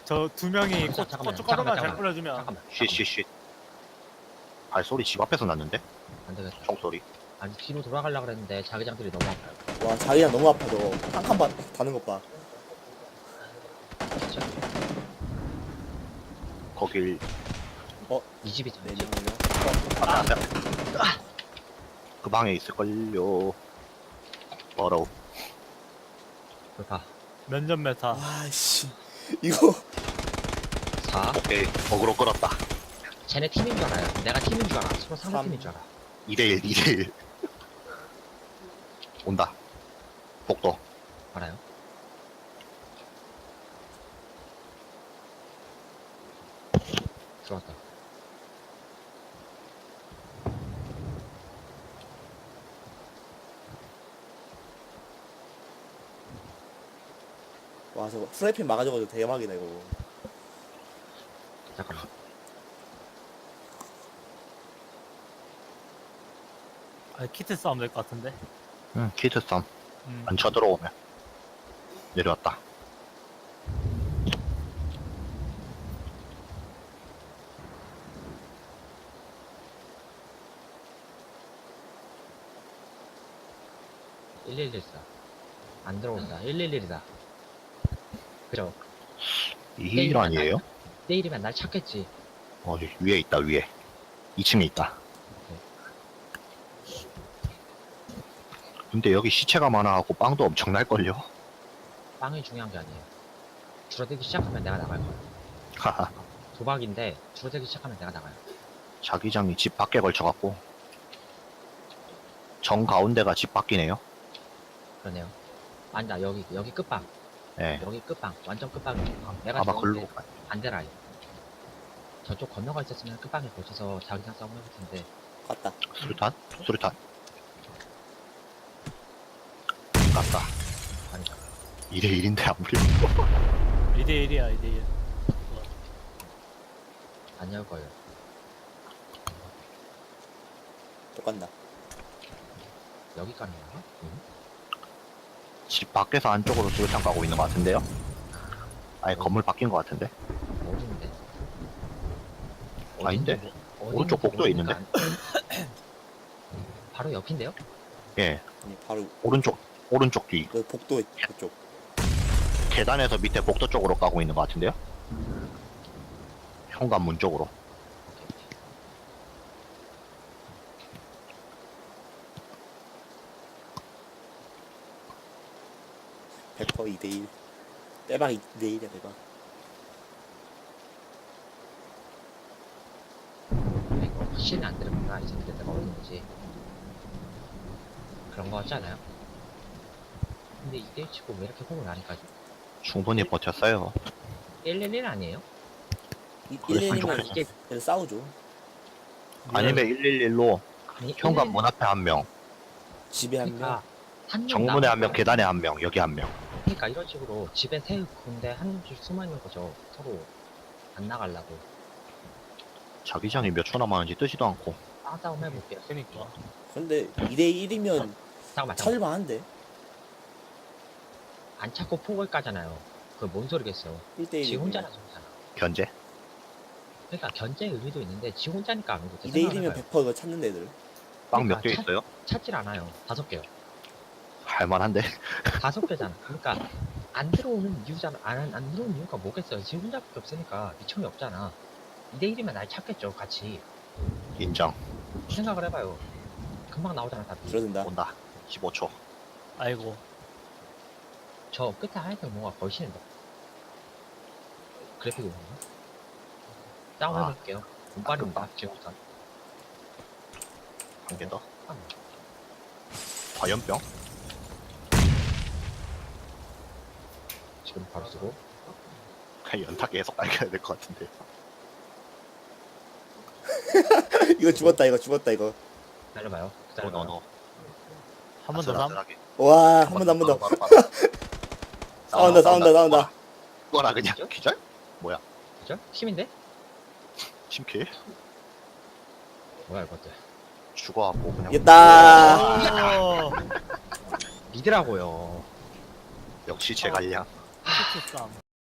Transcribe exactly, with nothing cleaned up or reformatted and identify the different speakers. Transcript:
Speaker 1: 저 두 명이
Speaker 2: 잠깐만,
Speaker 1: 코-
Speaker 2: 잠깐만,
Speaker 1: 고춧가루만
Speaker 2: 잠깐만,
Speaker 1: 잘
Speaker 2: 잠깐만.
Speaker 1: 뿌려주면
Speaker 2: 잠깐만.
Speaker 3: 쉿쉿쉿. 발소리 집 앞에서 났는데?
Speaker 2: 안 되겠다.
Speaker 3: 총소리.
Speaker 2: 아니 뒤로 돌아가려고 그랬는데 자기장들이 너무 아파요.
Speaker 4: 와 자기야 너무 아파 너. 한 칸 다는 것 봐.
Speaker 2: 진짜.
Speaker 3: 거길
Speaker 2: 이 집이잖아.
Speaker 4: 네
Speaker 2: 이 집.
Speaker 4: 명이요.
Speaker 3: 아, 안 돼. 그 방에 있을걸요. 더러워.
Speaker 2: 그렇다.
Speaker 1: 면접 메타.
Speaker 4: 와씨 이거
Speaker 2: 사.
Speaker 3: 오케이. 어그로 끌었다.
Speaker 2: 쟤네 팀인 줄 알아요. 내가 팀인 줄 알아. 서로 상대
Speaker 4: 삼.
Speaker 2: 팀인 줄 알아.
Speaker 3: 이대일, 이대일. 온다. 복도.
Speaker 2: 알아요? 들어왔다.
Speaker 4: 와 저거 프라이팬 막아줘가지고 대박이다 이거.
Speaker 2: 잠깐만.
Speaker 1: 아, 키트 싸움 될 것 같은데.
Speaker 3: 응, 키트 썸.
Speaker 1: 음.
Speaker 3: 안 쳐들어오면. 내려왔다.
Speaker 2: 일일일사. 안 들어온다. 일일일이다. 그죠?
Speaker 3: 이일 아니에요?
Speaker 2: 내일이면 날 찾겠지.
Speaker 3: 어, 여기 위에 있다, 위에. 이 층에 있다. 근데 여기 시체가 많아갖고 빵도 엄청 날걸요?
Speaker 2: 빵이 중요한 게 아니에요. 줄어들기 시작하면 내가 나갈 거야.
Speaker 3: 하하.
Speaker 2: 도박인데 줄어들기 시작하면 내가 나가요.
Speaker 3: 자기장이 집 밖에 걸쳐갖고. 정 가운데가 집 밖이네요?
Speaker 2: 그러네요. 아니 나 여기 여기 끝방.
Speaker 3: 예.
Speaker 2: 여기 끝방. 완전 끝방이에요. 내가
Speaker 3: 아마
Speaker 2: 들어오는데
Speaker 3: 글로.
Speaker 2: 반대 라인. 저쪽 건너가 있었으면 끝방에 거쳐서 자기장 싸움 해볼 텐데.
Speaker 4: 갔다.
Speaker 3: 수류탄? 수류탄. 갔다.
Speaker 2: 아니다.
Speaker 3: 이대일인데 안 불려.
Speaker 1: 이 대 일이야, 이 대 일.
Speaker 2: 안 열 거예요.
Speaker 4: 또 간다.
Speaker 2: 여기 가는 거야? 응?
Speaker 3: 집 밖에서 안쪽으로 수류탄 가고 있는 것 같은데요? 아예 건물 바뀐 것 같은데?
Speaker 2: 어딘데?
Speaker 3: 아닌데?
Speaker 2: 어딘지 모-
Speaker 3: 오른쪽
Speaker 2: 어딘지
Speaker 3: 복도에
Speaker 2: 모르니까 안- 바로 옆인데요?
Speaker 3: 예.
Speaker 4: 아니 바로
Speaker 3: 오른쪽, 오른쪽 뒤.
Speaker 4: 그 복도 그쪽.
Speaker 3: 계단에서 밑에 복도 쪽으로 가고 있는 것 같은데요? 현관문 쪽으로.
Speaker 2: 오케이, 오케이.
Speaker 4: 백 퍼센트 이 대 일. 대박 이 대 일이야 대박.
Speaker 2: 근데 이거 확실히 안 들으구나. 이 새끼들 내가 어딘지. 그런 거 같지 않아요? 근데 이게 치고 왜 이렇게 호흡을 하니까
Speaker 3: 충분히 버텼어요.
Speaker 2: 일일일 아니에요?
Speaker 4: 이
Speaker 3: 그랬으면
Speaker 4: 일 대 일이면
Speaker 3: 좋겠어.
Speaker 2: 이게
Speaker 4: 그래서 싸우죠.
Speaker 3: 아니면 일일일로
Speaker 2: 아니
Speaker 3: 현관문 앞에 한 명,
Speaker 4: 집에 한 명.
Speaker 2: 그러니까 한
Speaker 3: 정문에 한 명,
Speaker 2: 남은
Speaker 3: 계단에 한 명, 여기 한 명.
Speaker 2: 그러니까 이런 식으로 집에 세 군데 한 줄 숨어 있는 거죠. 서로 안 나가려고.
Speaker 3: 자기장이 몇 초 남았는지 뜨지도 않고.
Speaker 2: 싸- 싸움 해볼게요.
Speaker 1: 그니까.
Speaker 4: 근데 이 대 일이면
Speaker 2: 잠깐만, 잠깐만.
Speaker 4: 찾을만한데.
Speaker 2: 안 찾고 폭을 까잖아요. 그 뭔 소리겠어.
Speaker 4: 일 대
Speaker 2: 지
Speaker 4: 일.
Speaker 2: 혼자나 소리잖아.
Speaker 3: 견제?
Speaker 2: 그러니까 견제 의미도 있는데 지 혼자니까 안 오고.
Speaker 4: 이 대 일이면 백 퍼센트 이거 찾는 애들.
Speaker 3: 빵 몇
Speaker 2: 그러니까
Speaker 3: 개
Speaker 2: 차-
Speaker 3: 있어요?
Speaker 2: 찾질 않아요. 다섯 개요.
Speaker 3: 할만한데?
Speaker 2: 다섯 개잖아. 그러니까 안 들어오는 이유잖아. 안, 안 들어오는 이유가 뭐겠어요. 지 혼자밖에 없으니까 미청이 없잖아. 이 대 일이면 날 찾겠죠. 같이.
Speaker 3: 인정.
Speaker 2: 생각을 해봐요. 금방 나오잖아 답이.
Speaker 4: 줄어든다.
Speaker 3: 온다. 십오 초.
Speaker 1: 아이고.
Speaker 2: 저 끝에 하얀색 뭔가 걸치는데. 그래픽이 뭔가? 싸움
Speaker 3: 아.
Speaker 2: 해볼게요. 운빨입니다. 지금부터.
Speaker 3: 한 개 더.
Speaker 2: 아,
Speaker 3: 화염병?
Speaker 2: 지금 바로 쓰고.
Speaker 3: 그냥 연타 계속 깔겨야 될 것 같은데.
Speaker 4: 이거 죽었다 이거 죽었다 이거.
Speaker 2: 기다려봐요.
Speaker 3: 너, 너,
Speaker 2: 기다려봐요.
Speaker 3: 너.
Speaker 1: 한 번 더 삼.
Speaker 3: 아슬아슬하게.
Speaker 4: 와 한 번 더 한 번 더.
Speaker 3: 바로, 바로, 바로.
Speaker 4: 싸운다 싸운다 싸운다.
Speaker 3: 죽어라 그냥. 기절?
Speaker 2: 그죠? 팀인데?
Speaker 3: 심킬?
Speaker 2: 뭐야 이것들.
Speaker 3: 죽어갖고 그냥.
Speaker 4: 이겼다.
Speaker 1: 오,
Speaker 2: 미드라고요.
Speaker 3: 역시 제갈량.
Speaker 1: 키트 싸움.